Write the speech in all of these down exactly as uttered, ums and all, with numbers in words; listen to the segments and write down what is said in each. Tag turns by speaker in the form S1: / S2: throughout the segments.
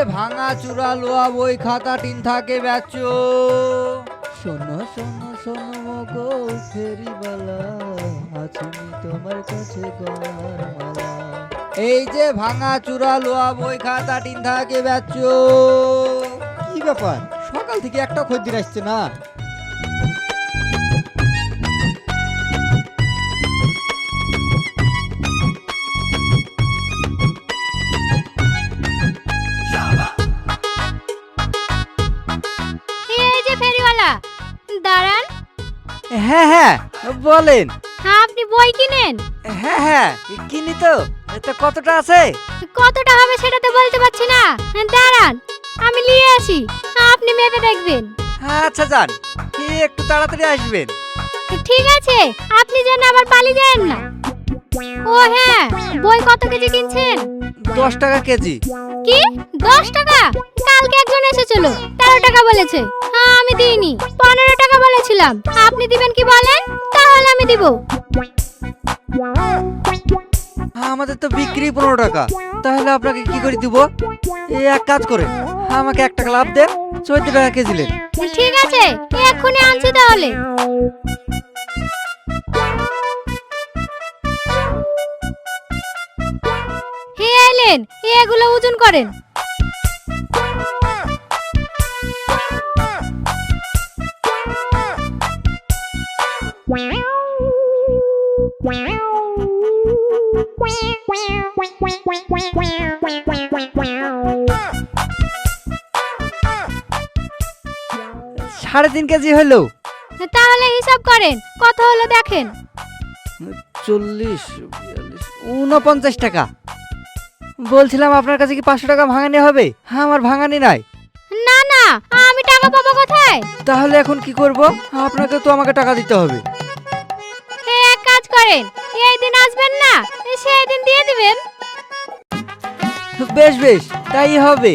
S1: ভাঙা চূড়া লোয়া বই খাতা টিন থাকে বেচো। শোনো শোনো শোনো মগো ফেরিওয়ালা, আছিনি তোমার কাছে গলার মালা। এই যে ভাঙা চূড়া লোয়া বই খাতা টিন থাকে বেচো। কি ব্যাপার, সকাল থেকে একটা খদ্দের আসছে না?
S2: এই যে ফেরিওয়ালা, দাঁড়ান।
S1: হ্যাঁ হ্যাঁ বলেন।
S2: হ্যাঁ, আপনি বই কিনেন?
S1: হ্যাঁ হ্যাঁ কিনি তো। এটা কতটা আছে?
S2: কতটা হবে সেটা তো বলতে পারছি না। দাঁড়ান, আমি নিয়ে আসি, আপনি মেপে দেখবেন।
S1: আচ্ছা যান, একটু তাড়াতাড়ি আসবেন।
S2: ঠিক আছে, আপনি যেন আবার পালিয়ে যান না। ও হ্যাঁ, বই কত কেজি কিনছেন?
S1: দশ টাকা কেজি।
S2: কি দশ টাকা? কালকে একজন এসেছিল, তেরো টাকা বলেছে। হ্যাঁ, আমি দিইনি, পনেরো টাকা বলেছিলাম। আপনি দিবেন কি বলেন, তাহলে আমি দিব।
S1: আমাদের তো বিক্রি পনেরো টাকা, তাহলে আপনাকে কি করে দিব? এই এক কাজ করে আমাকে এক টাকা লাভ দেন, চোদ্দ টাকা কেজি নেন।
S2: ঠিক আছে, এক্ষুনি আনছি তাহলে। হে এলেন, এগুলো ওজন করেন।
S1: সাড়ে তিন কেজি হলো।
S2: তাহলে হিসাব করেন, কত হলো দেখেন।
S1: চল্লিশ, উনপঞ্চাশ টাকা। বলছিলাম আপনার কাছে কি পাঁচশো টাকা ভাঙানি হবে? আমার ভাঙানি নাই।
S2: না না, আমি টাকা পাবো কোথায়?
S1: তাহলে এখন কি করব? আপনাকে তো আমাকে টাকা দিতে হবে।
S2: হে এক কাজ করেন, এই দিন আসবেন না, সেই দিন দিয়ে দিবেন।
S1: বেশ বেশ, তাই হবে।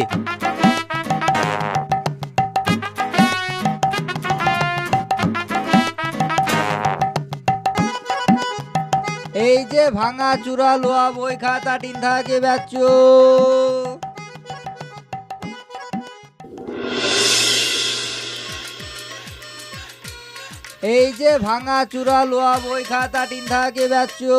S1: এই যে ভাঙা চূড়া লোয়া বই খাতা টিন থাকে বেচো। এই যে ভাঙা চূড়া লোয়া বই খাতা টিন থাকে বেচো।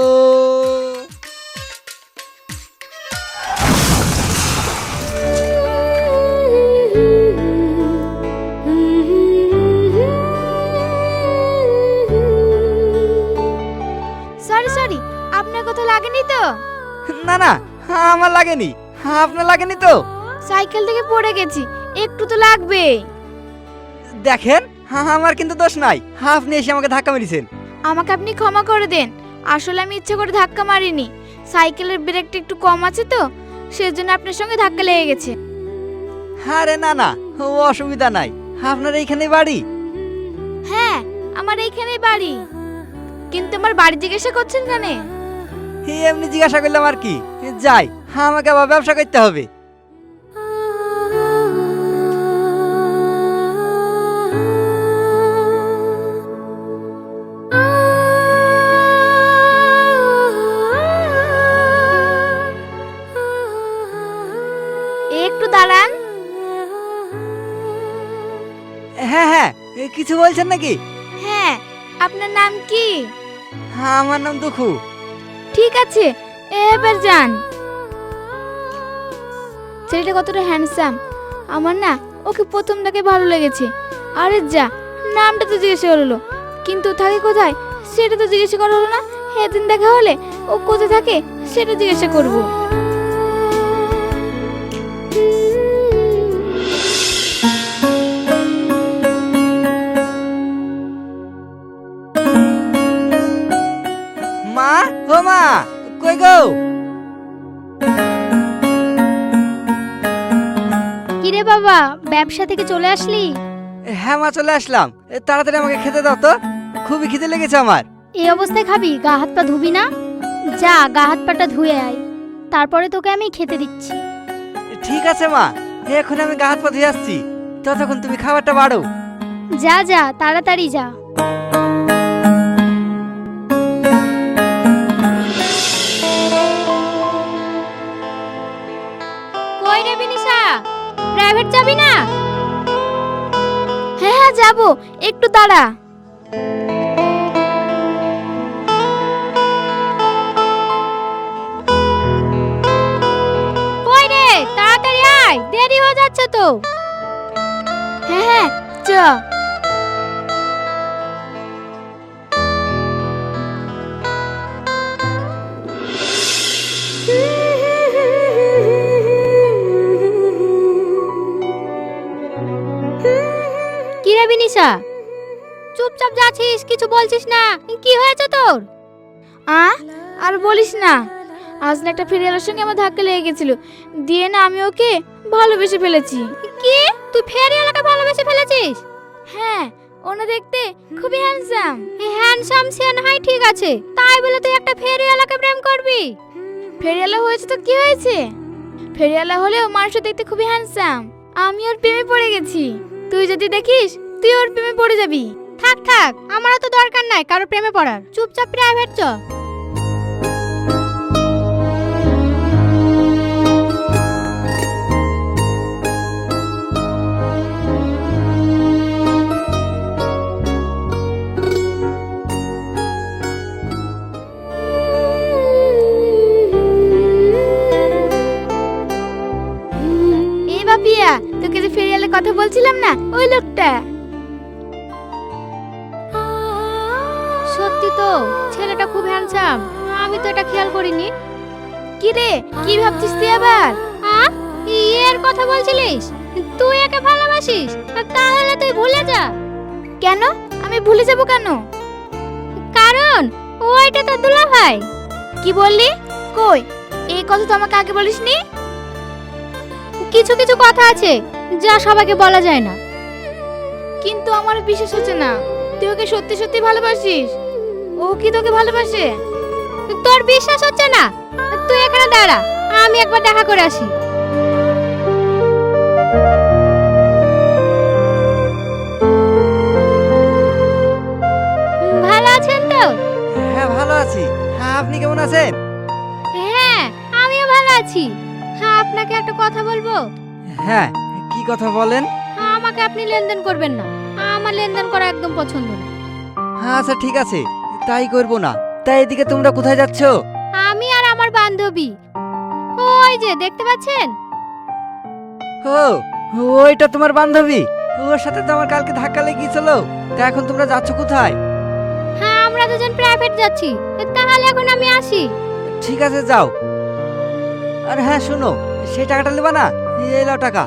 S2: সরি সরি, আপনার কথা লাগেনি তো?
S1: না না, আমার লাগেনি। আপনার লাগেনি তো?
S2: সাইকেল থেকে পড়ে গেছি, একটু তো লাগবে।
S1: দেখেন, আমার কিন্তু দোষ নাই, আপনি এসে আমাকে ধাক্কা মেরেছেন।
S2: আমাকে আপনি ক্ষমা করে দেন, আসলে আমি ইচ্ছে করে ধাক্কা মারিনি। সাইকেলের ব্রেকটা একটু কম আছে তো, সেজন্য আপনার সঙ্গে ধাক্কা লেগে গেছে।
S1: আরে না না, ও অসুবিধা নাই। আপনার এইখানে বাড়ি?
S2: হ্যাঁ, আমার এইখানেই বাড়ি। কিন্তু আমার বাড়ি জিজ্ঞাসা করছেন কেন?
S1: এমনি জিজ্ঞাসা করলাম আর কি। যাই, আমাকে আবার ব্যবসা করতে হবে।
S2: একটু দাঁড়ান।
S1: হ্যাঁ হ্যাঁ, কিছু বলছেন নাকি?
S2: হ্যাঁ, আপনার নাম কি?
S1: আমার নাম দুখু।
S2: ঠিক আছে, এবার যান। ছেলেটা কতটা হ্যান্ডসাম, আমার না ওকে প্রথম থেকে ভালো লেগেছে। আরে যা, নামটা তো জিজ্ঞেস করলো, কিন্তু থাকে কোথায় সেটা তো জিজ্ঞেস করা হলো না। সেদিন দেখা হলে ও কোথায় থাকে সেটা জিজ্ঞাসা করব।
S1: মা, ও মা, কই গো?
S2: কিরে বাবা, ব্যবসা থেকে চলে আসলি?
S1: হ্যাঁ মা, চলে আসলাম। তাড়াতাড়ি আমাকে খেতে দাও তো, খুবই খিদে লেগেছে আমার।
S2: এই অবস্থায় খাবি? গা হাত পা ধুবি না? যা, গা হাত পাটা ধুয়ে আয়, তারপরে তোকে আমি খেতে দিচ্ছি।
S1: ঠিক আছে মা, এখন আমি গা হাত পা ধুয়ে আসছি, ততক্ষণ তুমি খাবারটা বাড়ো।
S2: যা যা, তাড়াতাড়ি যা। কই রে বিনিশা, প্রাইভেট যাবি না? হ্যাঁ হ্যাঁ যাবো, একটু দাঁড়া। কই রে, তাড়াতাড়ি আয়, দেরি হয়ে যাচ্ছে তো। হ্যাঁ হ্যাঁ চ। কি রে বিনিশা, চুপচাপ যাচ্ছিস, কিছু বলছিস না, কি হয়েছে তোর? আ আর বলিস না, আজ না একটা ফেরিওয়ালার সঙ্গে আমার ধাক্কা লেগে গেছিল, দিয়ে না আমি ওকে ভালোবেসে ফেলেছি। কি, তুই ফেরিওয়ালাকে ভালোবেসে ফেলেছিস? হ্যাঁ, ওনা দেখতে খুবই হ্যান্ডসাম। হ্যান্ডসাম সে না হয় ঠিক আছে, তাই বলে তুই একটা ফেরিওয়ালাকে প্রেম করবি? ফেরিওয়ালা হয়েছে তো কি হয়েছে, ফেরিওয়ালা হলেও মানুষ দেখতে খুবই হ্যান্ডসাম। আমি ওর প্রেমে পড়ে গেছি, তুই যদি দেখিস তুই ওর প্রেমে পড়ে যাবি। থাক থাক, আমারও তো দরকার নাই কারো প্রেমে পড়ার, চুপচাপ প্রাইভেট চ। এই বাপিয়া, তোকে যে ফেরিওয়ালে কথা বলছিলাম না, ওই লোকটা। সত্যি তো, ছেলেটা খুব হ্যান্ডসাম, আমি তো এটা খেয়াল করিনি। কি রে, কি ভাবছিস তুই আবার? হ্যাঁ, এর কথা বলছিলিস? তুই একে ভালোবাসিস? তাহলে তুই ভুলে যা। কেন, আমি ভুলে যাব কেন? কারণ ওইটা তো দুলা ভাই। কি বললি? কই, এই কথা তো আমাকে আগে বলিসনি। কিছু কিছু কথা আছে যা সবাইকে বলা যায় না। কিন্তু আমার বিশ্বাস হচ্ছে না, তুই ওকে সত্যি সত্যি ভালোবাসিস। ও কি তোকে ভালোবাসে? তোর বিশ্বাস হচ্ছে না? তুই এখানে দাঁড়া, আমি একবার দেখা করে আসি। ভালো আছেন তো?
S1: হ্যাঁ ভালো আছি। হ্যাঁ আপনি কেমন আছেন?
S2: হ্যাঁ আমিও ভালো আছি। হ্যাঁ আপনাকে একটা কথা বলবো।
S1: হ্যাঁ, কি কথা বলেন?
S2: হ্যাঁ, আমাকে আপনি লেনদেন করবেন না, আমার লেনদেন করা একদম পছন্দ না।
S1: হ্যাঁ আচ্ছা ঠিক আছে, তাই করব না। তাই এদিকে তোমরা কোথায় যাচ্ছ?
S2: আমি আর আমার বান্ধবী, ওই যে দেখতে পাচ্ছেন।
S1: ও, ওইটা তোমার বান্ধবী? ওর সাথে তো আমার কালকে ধাক্কা লেগে গিয়েছিল। তা এখন তোমরা যাচ্ছ কোথায়?
S2: হ্যাঁ আমরা দুজন প্রাইভেট যাচ্ছি, তাহলে এখন আমি আসি।
S1: ঠিক আছে যাও। আর হ্যাঁ শোনো, সেই টাকাটা নেবা না? এই নাও টাকা।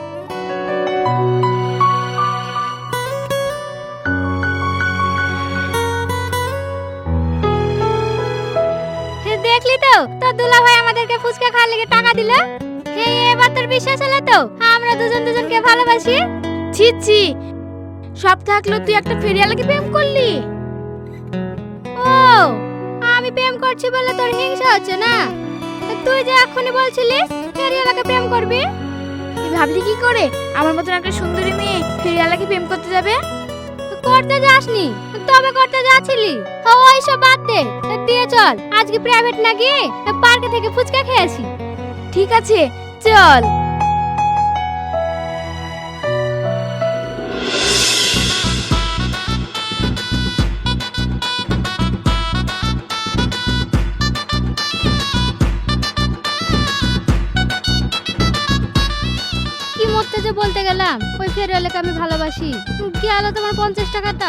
S2: দেখলি তো, তোর দুলা ভাই আমাদেরকে ফুচকা খাওয়ার লেগে টাকা দিল। হে, এবার তোর বিশ্বাস হলো তো আমরা দুজন দুজনকে ভালোবাসি? ছি ছি, সব থাকলো তুই একটা ফেরিওয়ালাকে প্রেম করলি। ও, আমি প্রেম করছি বলে তোর হিংসা হচ্ছে না? তুই যে এখনই বলছিলিস ফেরিওয়ালাকে প্রেম করবি। তুই ভাবলি কি করে আমার মতন একটা সুন্দরী মেয়ে ফেরিওয়ালাকে প্রেম করতে যাবে? করতে যাসনি, তবে করতে যাচ্ছিলি। ওই সব বাদ দে, দিয়ে চল আজকে প্রাইভেট না গিয়ে পার্কে থেকে ফুচকা খেয়ে আসি। ঠিক আছে চল। কি মরতে যে বলতে গেলাম, ওই ফেরিওয়ালাকে আমি ভালোবাসি। কি আলো তোমার পঞ্চাশ টাকাটা?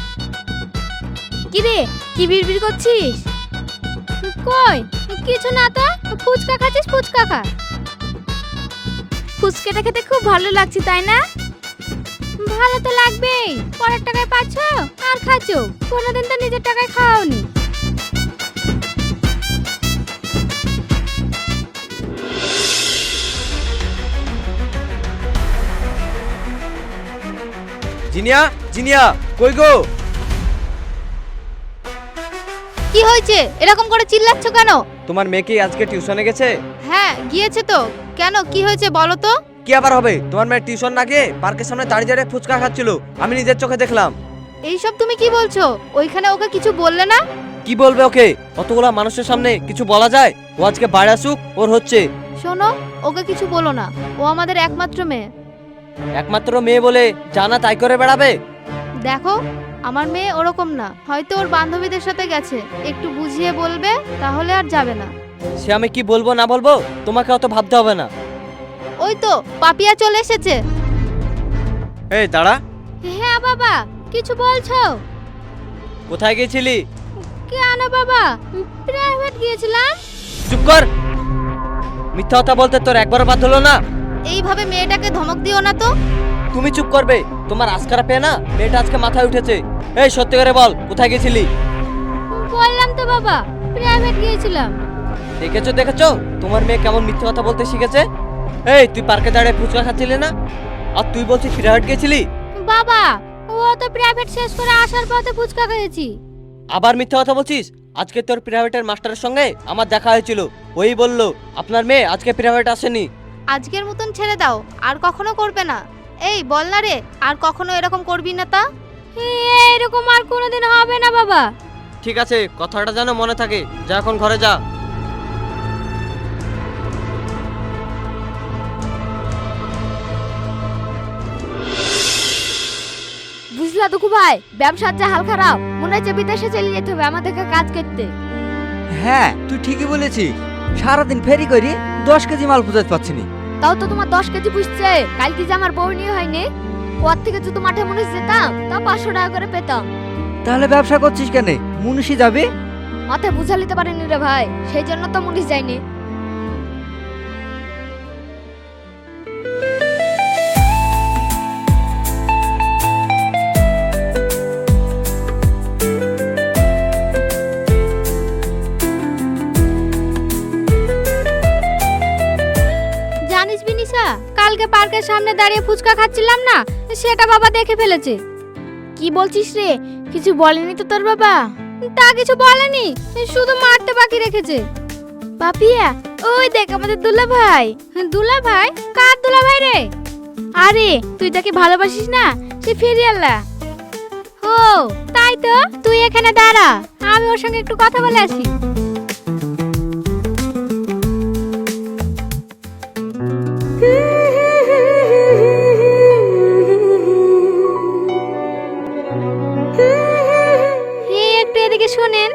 S2: কি রে, কি বিড়বিড় করছিস? কই কিছু না তো, ফুচকা খাচ্ছিস, ফুচকা খা। ফুচকাটা খেতে খুব ভালো লাগছে তাই না? ভালো তো লাগবেই, পরের টাকায় পাচ্ছ আর খাচ্ছ, কোনোদিন তো নিজের টাকায় খাওনি।
S3: জিনিয়া, জিনিয়া, কই গো?
S2: কি হয়েছে, এরকম করে চিল্লাচ্ছ কেন?
S3: তোমার মেয়ে কি আজকে টিউশনে গেছে?
S2: হ্যাঁ গিয়েছে তো। কেন, কি হয়েছে বলো তো?
S3: কি আবার হবে, তোমার মেয়ে টিউশন না গিয়ে পার্কের সামনে দাঁড়িয়ে দাঁড়িয়ে ফুচকা খাচ্ছিল, আমি নিজের চোখে দেখলাম।
S2: এইসব তুমি কি বলছো? ওইখানে ওকে কিছু বললে না?
S3: কি বলবে ওকে, কতগুলা মানুষের সামনে কিছু বলা যায়? ও আজকে বাইরে আসুক, ওর হচ্ছে।
S2: শোনো, ওকে কিছু বলো না, ও আমাদের একমাত্র মেয়ে।
S3: একমাত্র মেয়ে বলে জানা তাই করে বেড়াবে?
S2: দেখো, আমার মেয়ে ওরকম না, হয়তো ওর বান্ধবীদের সাথে গেছে, একটু বুঝিয়ে বলবে, তাহলে আর যাবে না।
S3: সে আমি কি বলবো না বলবো তোমাকে অত ভাবতে হবে না।
S2: ওই তো পাপিয়া চলে এসেছে।
S3: এই দাঁড়া।
S2: হ্যাঁ বাবা, কিছু বলছো?
S3: কোথায় গেছিলি?
S2: কেন বাবা, প্রাইভেট গিয়েছিলাম।
S3: চুপ কর, মিথ্যা কথা বলতে তোর একবারও বাদ হলো না?
S2: এইভাবে মেয়েটাকে ধমক দিও না তো।
S3: তুমি চুপ করবে, তোমার আজকারা পেয়ে না মেয়েটা আজকে মাথায় উঠেছে। এই সত্যি করে বল, কোথায় গেছিলি?
S2: বললাম তো বাবা, প্রাইভেট গিয়েছিলাম।
S3: দেখেছো দেখেছো তোমার মেয়ে কেমন মিথ্যা কথা বলতে শিখেছে। এই তুই পার্কে দাঁড়িয়ে ফুচকা খাচ্ছিলি না, আর তুই বলছিস প্রাইভেট গেছিলি?
S2: বাবা, ও তো প্রাইভেট শেষ করে আসার পথে ফুচকা খেয়েছি।
S3: আবার মিথ্যা কথা বলছিস? আজকে তোর প্রাইভেটের মাস্টারের সঙ্গে আমার দেখা হয়েছিল, ওই বলল আপনার মেয়ে আজকে প্রাইভেট আসেনি।
S2: আজকের মতন ছেড়ে দাও, আর কখনো করবে না। এই বল না রে, আর কখনো এরকম করবি না তা। এরকম আর কোনোদিন হবে না বাবা।
S3: ঠিক আছে, কথাটা যেন মনে থাকে। যা এখন ঘরে যা।
S2: বুঝলা দুঃখু ভাই, ব্যবসার যা হাল খারাপ, মনে হচ্ছে বিদেশে চলে যেতে হবে আমাদেরকে কাজ করতে।
S1: হ্যাঁ তুই ঠিকই বলেছিস, সারাদিন ফেরি করি দশ কেজি মাল পুজাতে পারছি নি।
S2: তাও তো তোমার দশ কেজি বুঝছে, কালকে যে আমার বউ নিয়ে হয়নি, পর থেকে যদি মাঠে মুনিশ যেতাম তা পাঁচশো টাকা করে পেতাম।
S1: তাহলে ব্যবসা করছিস কেন? মুনিশি যাবি?
S2: মাথায় বুঝা নিতে পারিনি রে ভাই, সেই জন্য তো মুনিশ যায়নি। জানিস বিনিশা, কালকে পার্কের সামনে দাঁড়িয়ে ফুচকা খাচ্ছিলাম না, সেটা বাবা দেখে ফেলেছে। কি বলছিস রে? কিছু বলেনি তো তোর বাবা? তা কিছু বলেনি, শুধু মারতে বাকি রেখেছে। পাপিয়া, ওই দেখ আমাদের দুলা ভাই। দুলা ভাই? কার দুলা ভাই রে? আরে তুই তাকে ভালোবাসিস না, সে ফেরিয়ালা। ও তাই তো, তুই এখানে দাঁড়া, আমি ওর সঙ্গে একটু কথা বলে আসি। একটু এদিকে শোনেন।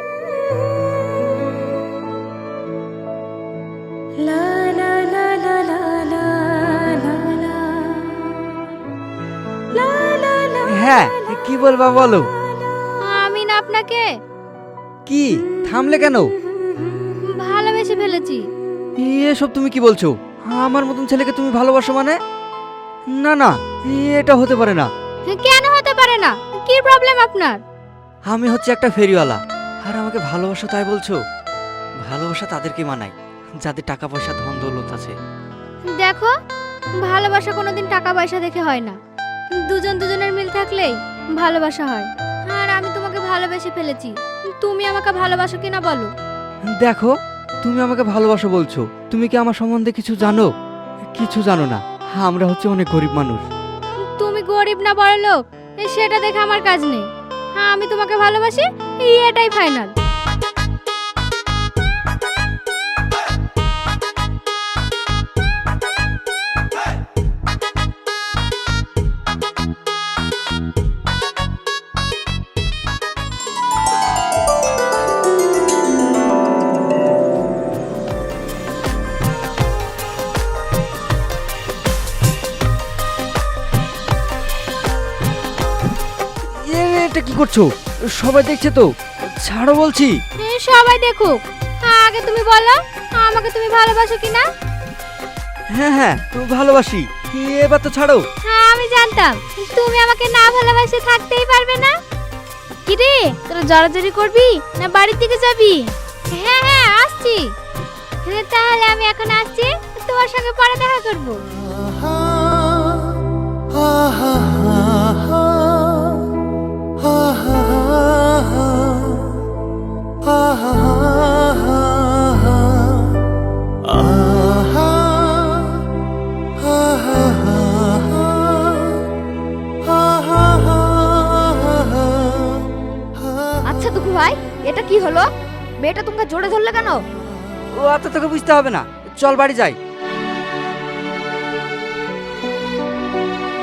S1: হ্যাঁ কি বলবা বলো।
S2: আমি না আপনাকে
S1: কি থামলে কেন?
S2: ভালোবেসে ফেলেছি।
S1: এসব তুমি কি বলছো? আমার মতন ছেলেকে তুমি ভালোবাসো মানে? না না, এটা হতে পারে না।
S2: কেন হতে পারে না? কি প্রবলেম আপনার?
S1: আমি হচ্ছে একটা ফেরিওয়ালা, আর আমাকে ভালোবাসো তাই বলছো? ভালোবাসা তাদেরকে মানায় যাদের টাকা পয়সা ধন দৌলত আছে।
S2: দেখো, ভালোবাসা কোনোদিন টাকা পয়সা দেখে হয় না, দুজন দুজনের মিল থাকলেই ভালোবাসা হয়। আর আমি তোমাকে ভালোবেসে ফেলেছি, তুমি আমাকে ভালোবাসো কিনা বলো?
S1: দেখো, তুমি আমাকে ভালোবাসো বলছো, তুমি কি আমার সম্বন্ধে কিছু জানো? কিছু জানো না, আমরা হচ্ছে অনেক গরিব মানুষ।
S2: তুমি গরিব না বড় লোক সেটা দেখে আমার কাজ নেই, হ্যাঁ আমি তোমাকে ভালোবাসি, এটাই ফাইনাল।
S1: এ, এটা কি করছো? সবাই দেখছে তো, ছাড়ো বলছি।
S2: সবাই দেখুক, আগে তুমি বলো আমাকে তুমি ভালোবাসো কিনা।
S1: হ্যাঁ হ্যাঁ তুমি ভালোবাসি, এবার তো ছাড়ো।
S2: হ্যাঁ আমি জানতাম তুমি আমাকে না ভালোবাসে থাকতেই পারবে না। কি রে, তোরা জড়াজড়ি করবি না বাড়ির দিকে যাবি? হ্যাঁ হ্যাঁ আসছি। হ্যাঁ, তাহলে আমি এখন আসছি, তোমার সঙ্গে পরে দেখা করবো। আচ্ছা দুঃখু ভাই, এটা কি হলো? মেয়েটা তোমাকে জোরে ধরলে কেন?
S1: ও অত তোকে বুঝতে হবে না, চল বাড়ি যাই।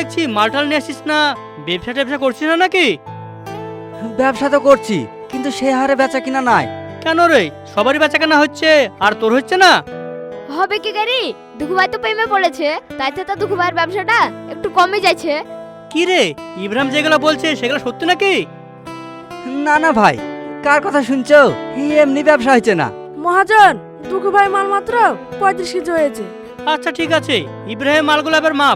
S4: দেখছি মালটাল নিয়ে আসিস না, ব্যবসা ট্যাবসা করছিস না নাকি?
S1: ব্যবসা তো করছি, কিন্তু সে হারে বেচা কিনা নাই।
S4: কেন রে, সবারই বেচা কেনা হচ্ছে আর তোর হচ্ছে না?
S2: হবে কি গাড়ি, দুঃখু ভাই তো প্রেমে পড়েছে, তাই তো তার দুঃখু ভাইয়ের ব্যবসাটা একটু কমে যাচ্ছে।
S4: কি রে, ইব্রাহিম যেগুলো বলছে সেগুলো সত্যি নাকি?
S1: না না ভাই, কার কথা শুনছো? এমনি ব্যবসা হয়েছে না।
S5: মহাজন, দুঃখু ভাই মাল মাত্র পঁয়ত্রিশ কেজি হয়েছে।
S4: আচ্ছা ঠিক আছে, ইব্রাহিম মালগুলো এবার মাপ।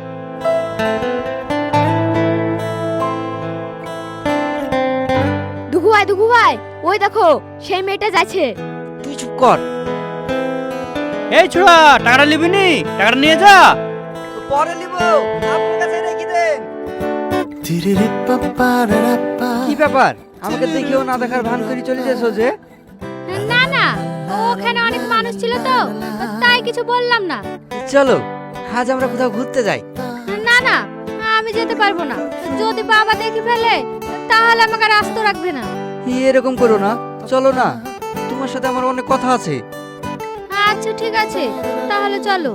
S2: দুঃখু ভাই, দুঃখু ভাই, ওই দেখো সেই মেয়েটা যাচ্ছে।
S1: তুই চুপ কর।
S4: এই ছোড়া, টাকাটা নিবি নি? টাকাটা নিয়ে যা।
S1: পরে নিব, আপনার কাছে রেখে দেন। কি ব্যাপার, আমাকে দেখেও না দেখার ভান করে চলে যাচ্ছো যে?
S2: না না, ওখানে অনেক মানুষ ছিল তো, তাই কিছু বললাম না।
S1: চলো আজ আমরা কোথাও ঘুরতে যাই।
S2: না না, আমি যেতে পারবো না। যদি বাবা দেখে ফেলে তাহলে আমাকে আর আস্ত রাখবে না।
S1: এরকম করো না, চলো না, তোমার সাথে আমার অনেক কথা আছে।
S2: আচ্ছা ঠিক আছে, তাহলে চলো।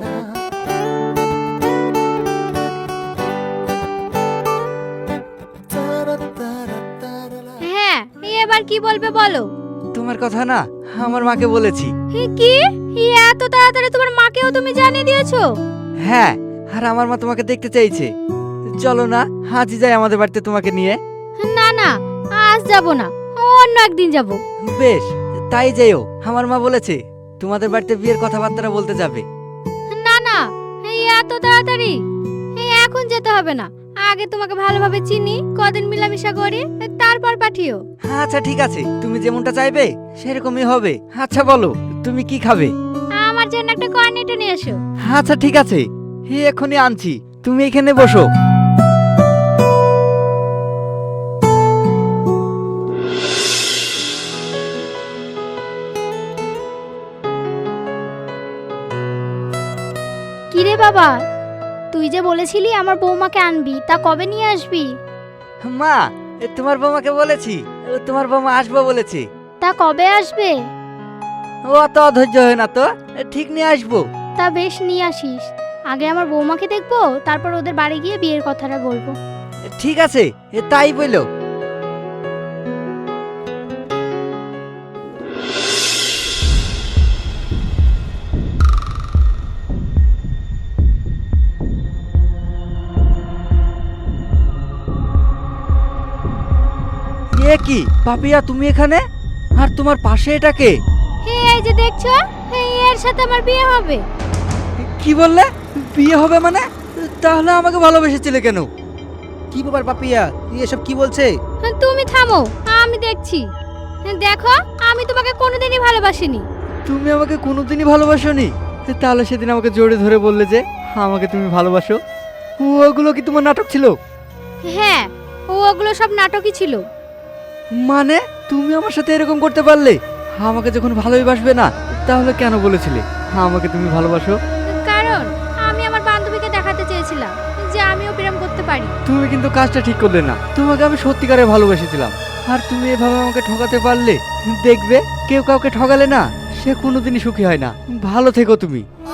S2: হ্যাঁ, এবার কি বলবে বলো।
S1: তোমার কথা না আমার মাকে বলেছি।
S2: হে, কি এত তাড়াতাড়ি তোমার মাকেও তুমি জানিয়ে দিয়েছো?
S1: হ্যাঁ, আর আমার মা তোমাকে দেখতে চাইছে। চলো না আজই যাই আমাদের বাড়িতে তোমাকে নিয়ে।
S2: না না, আজ যাব না, অন্য একদিন যাব।
S1: বেশ, তাই যেও। আমার মা বলেছে তোমাদের বাড়িতে বিয়ের কথাবার্তা বলতে যাবে।
S2: না না, এই এত তাড়াতাড়ি এই এখন যেতে হবে না। আগে তোমাকে ভালোভাবে চিনি, কদিন মিলামিশা করি, তারপর পাঠিও।
S1: আচ্ছা ঠিক আছে, তুমি যেমনটা চাইবে সেরকমই হবে। আচ্ছা বলো, তুমি কি খাবে?
S2: আমার জন্য একটা কর্নেটো নিয়ে এসো।
S1: আচ্ছা ঠিক আছে, হে এখনই আনছি, তুমি এখানে বসো।
S2: কিরে বাবা, তুই যে বলেছিলি আমার বৌমাকে আনবি, তা কবে নিয়ে আসবি?
S1: মা, এ তোমার বৌমাকে বলেছি, ও তোমার বৌমা আসবো বলেছে।
S2: তা কবে আসবে?
S1: ও অত অধৈর্য হয় না তো, এ ঠিক নিয়ে আসবো।
S2: তা বেশ, নিয়ে আসিস। আগে আমার বৌমাকে দেখবো, তারপর ওদের বাড়ি গিয়ে বিয়ের কথাটা বলবো।
S1: ঠিক আছে, এ তাই বললো। এ কি পাপিয়া, তুমি এখানে? আর তোমার পাশে এটা কে?
S2: হে, এই যে দেখছো, এই এর সাথে আমার বিয়ে হবে।
S1: কি বললে? বিয়ে হবে মানে? তাহলে আমাকে ভালোবেসেছিলে কেন?
S6: কি ব্যাপার পাপিয়া, এসব কি বলছে?
S2: তুমি থামো, আমি দেখছি। দেখো, আমি তোমাকে কোনোদিনই ভালোবাসিনি।
S1: তুমি আমাকে কোনোদিনই ভালোবাসোনি? তাহলে সেদিন আমাকে জোরে ধরে বললে যে আমাকে তুমি ভালোবাসো, ওগুলো কি তোমার নাটক ছিল?
S2: হ্যাঁ, ও ওগুলো সব নাটকই ছিল।
S1: মানে তুমি আমার সাথে এরকম করতে পারলে? আমাকে যখন ভালোই বাসবে না, তাহলে কেন বলেছিলে আমাকে তুমি ভালোবাসো?
S2: কারণ আমি আমার বান্ধবীকে দেখাতে চেয়েছিলাম যে আমিও প্রেম করতে পারি।
S1: তুমি কিন্তু কাজটা ঠিক করলে না। তোমাকে আমি সত্যিকারে ভালোবেসেছিলাম, আর তুমি এভাবে আমাকে ঠকাতে পারলে? দেখবে, কেউ কাউকে ঠকালে না সে কোনোদিনই সুখী হয় না। ভালো থেকো তুমি।